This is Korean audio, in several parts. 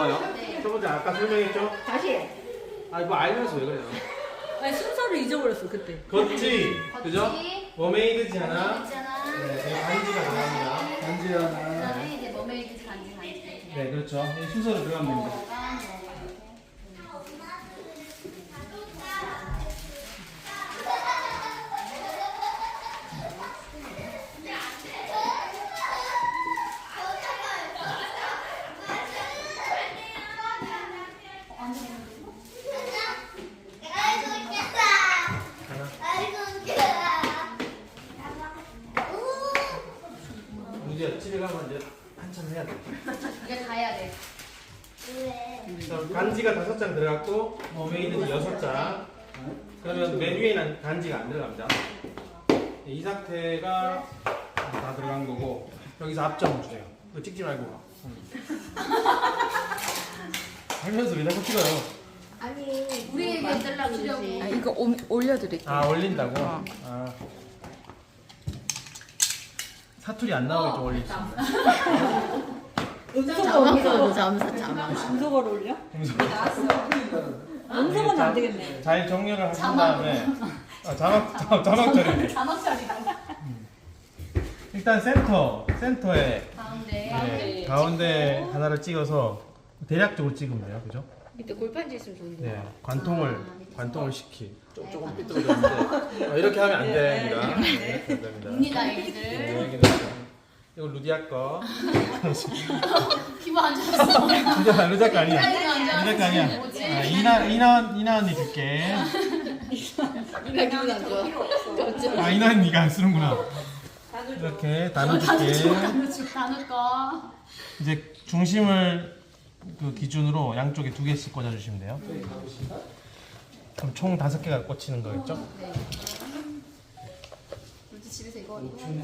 나와요. 네. 첫 번째 아까 설명했죠? 다시. 아 이거 알면서 왜 그래요? 아니 순서를 잊어버렸어 그때. 걷지, 그죠? 머메이드지 하나. 있잖아. 네, 반지가 들어갑니다. 반지 하나. 그다음에 이제 머메이드 반지. 네, 그렇죠. 이 순서로 들어가면 됩니다. 문제야, 집에 가면 이제 한참 해야 돼. 이제 다 해야 돼. 간지가 5장 들어갔고 머메이드는 6장. 그러면 맨 위에는 간지가 안 들어갑니다. 이 상태가 다 들어간 거고 여기서 앞점 주세요. 그거 찍지 말고. 하면서 왜 자꾸 찍어요? 아니 우리에게 만들려고 아, 이거 올려드릴게요. 아 올린다고? 아. 사투리 안 나오게 좀 올리겠습니다. 음소거를 올려? 음소거는 안 되겠네. 잘 정렬을 하신 다음에 자막 처리. 자막 처리라고. 일단 센터에 가운데. 네, 가운데 하나를 찍어서 대략적으로 찍으면 돼요, 그죠? 밑에 골판지 있으면 좋은데. 네, 관통을 시키. 조금 삐뚤어졌는데 이렇게 하면 안 됩니다. 네, 이렇게 안 됩니다. 옵니다 애기들. 네, 여기는 이거 루디아 거. 기분 안 좋았어. 루디아 거 아니야. 루디아 거 아니야. 뭐지? 아, 이나 언니 줄게. 이나 기분 안 좋아. 아 이나 언니가 안 쓰는구나. 이렇게 나눠줄게. 나눌 거. 이제 중심을 그 기준으로 양쪽에 2개씩 꽂아주시면 돼요. 그럼 총 5개가 꽂히는 거겠죠? 네. 우리 집에서 이거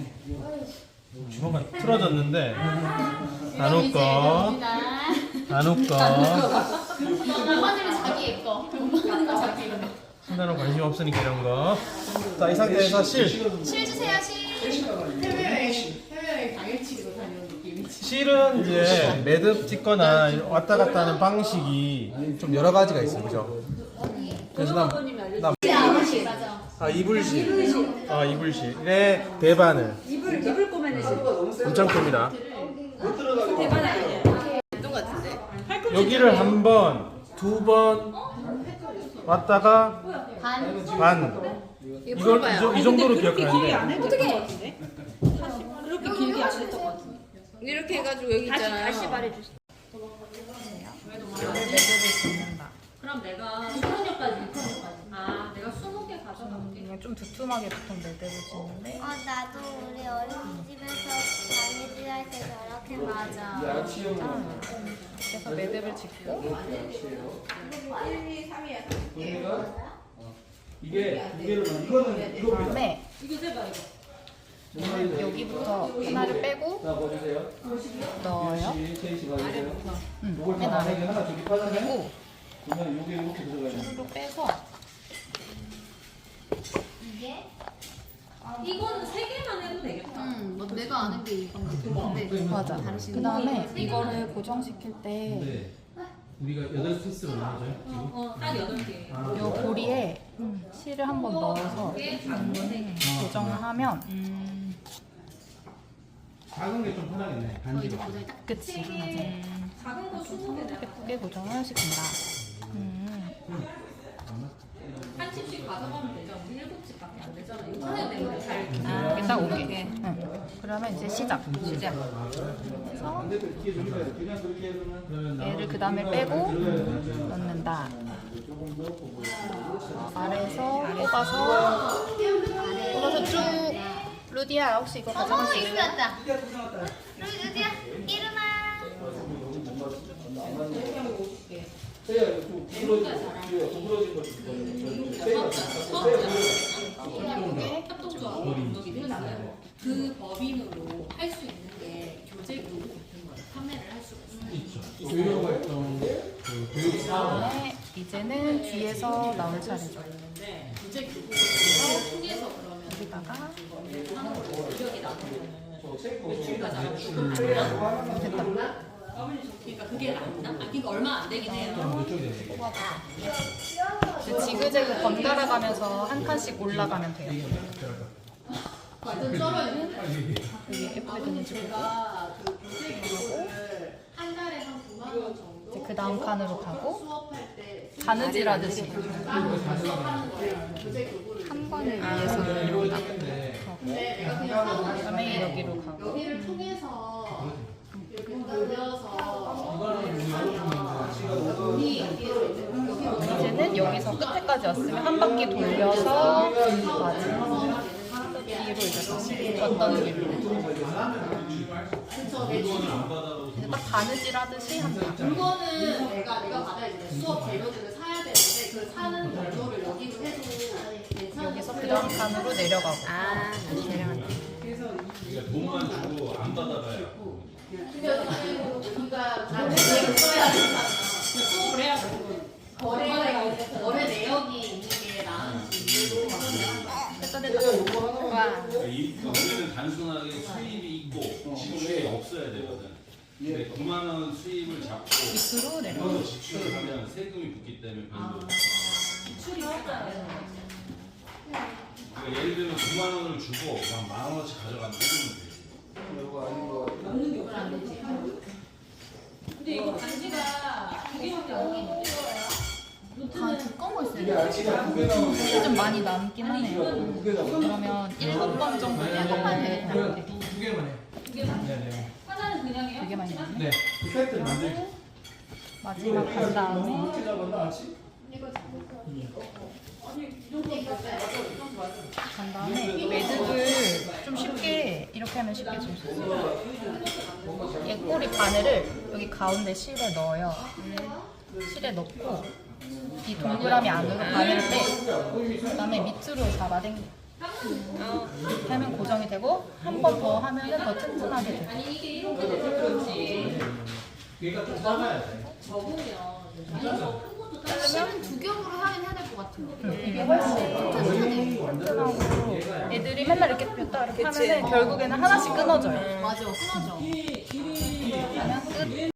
주먹이 틀어졌는데 나눌 거, 나눌 거. 엄마들은 자기 거. 엄마는 자기 거. 신나는 관심 없으니까 이런 거. 자, 이 상태에서 실 주세요 실. 해외여행 당일치기로 다니는 느낌이지. 실은 이제 매듭 찍거나 왔다 갔다 하는 방식이 좀 여러 가지가 있어요, 그죠? 그래서 나 이불실. 이불실의 대바늘. 이불 꼬매내시. 엄청 큽니다. 대단하게. 운동 같은데. 여기를 한 번, 2번 왔다가 반. 이걸 이 정도로 기억하는데. 어떻게? 그렇게 길게 안 했던 것 같은데. 이렇게 해가지고 여기 있잖아요. 다시 말해주세요. 그럼 내가 6학년까지. 아, 내가 20개 가져갈게. 좀 두툼하게 보통 매듭을 짓는데 나도 우리 어린이집에서 다니들 할 때 저렇게 맞아. 그래서 매듭을 짓고 이게 두 개를 이거는 그다음에 이거 세봐, 이거. 여기부터 하나를 빼고 넣어요. 맨 아래 그리고 줄로 빼서 이거는 3개만 해도 되겠다. 뭐 내가 아는 게 이건 같은데. 맞아. 그다음에 이거를 고정시킬 때 우리가 8피스로 나눠져요, 지금? 딱 8개. 요 고리에 실을 한번 넣어서 고정을 하면 작은 게 좀 편하겠네, 반지가. 그치. 작은 거 20개 내가 예쁘게 고정을 시킨다. 한 칩씩 가져가면 되죠. 우리 7칩밖에 안 되잖아. 이거 하나 때문에 잘. 이게 딱 5개. 그러면 이제 시작. 그래서 얘를 그 다음에 빼고 넣는다. 아래에서 뽑아서 쭉. 루디야 혹시 이거 가져갈 수 이름이 있어? 왔다. 루디야 이름아. 그 법인으로 할 수 있는 게 교재 교육 같은 거 판매를 할 수가 있어요. 교육 활동, 그 교육 사업. 그다음에 이제는 뒤에서 나올 차례죠. 교재 교육을 통해서 그러면 여기다가 기억이 나는 됐다. 그러니까 그게 낫나? 아, 그러니까 얼마 안 되긴 해요. 이쪽이 되네. 이제 지그재그 번갈아 가면서 한 칸씩 올라가면 돼요. 완전 쩔어요. 여기 예쁘게 되는지 보고 그 교재비를 한 달에 한 9만 원 정도. 이제 그 다음 칸으로 가고 수업할 때 바느질하듯이 수업하는 거예요. 교재 교구를. 한 번을 위해서 내려온다고. 근데 내가 그냥 사고 그다음에 여기로 가고 여기를 통해서 이렇게 늘려서 돈이 여기에서 이제 이제는 여기서 끝에까지 왔으면 한 바퀴 돌려서 맞아. 뒤로 이제 다시 어떤 길로 이제 딱 바느질 하듯이 한다. 물건은 내가 받아야 돼. 수업 재료들을 사야 되는데 그 사는 정도를 여기로 해도 괜찮아. 여기서 그 다음 칸으로 내려가고 다시 내려간다. 돈만 주고 안 받아가요. 우리가 나중에 써야 된다. 수업을 해야 돼. 거래 내역이 있는 게 나은지. 우리는 단순하게 수입이 있고 지출이 없어야 되거든. 근데 9만 원 수입을 잡고 밑으로 내려. 이거 지출을 하면 세금이 붙기 때문에 별로. 지출이 없잖아요. 그러니까 예를 들면 9만 원을 주고 그냥 10,000원씩 가져가면 되지. 근데 이거 반지가 두 개밖에 안 나오는데. 다 두꺼운 거 있어요. 사실 좀 많이 남긴 하네요. 그러면 7번 정도 해보면 돼. 두 개만 해. 네네. 하나는 그냥이요? 되게 많이 남네. 네. 그 세트를 만들기. 마지막 간 다음에 이렇게 잡았나 같이? 간 다음에 매듭을 좀 쉽게 이렇게 하면 쉽게 줄 수 있어요. 얘 꼬리 바늘을 여기 가운데 실에 넣어요. 실에 넣고 이 동그라미 안으로 바늘을 빼. 그다음에 밑으로 잡아당겨. 이렇게 하면 고정이 되고 한 번 더 하면은 더 튼튼하게 돼요. 아니 이게 이렇게 되면 그렇지. 얘가 좀 작아야 돼. 적으면 아니 큰 것도 딱 실은 두 겹으로 하긴 해야 될 것 같아요. 이게 훨씬 튼튼하고 애들이 맨날 이렇게 폈다 이렇게 하면은 결국에는 하나씩 끊어져요. 맞아, 끊어져. 길이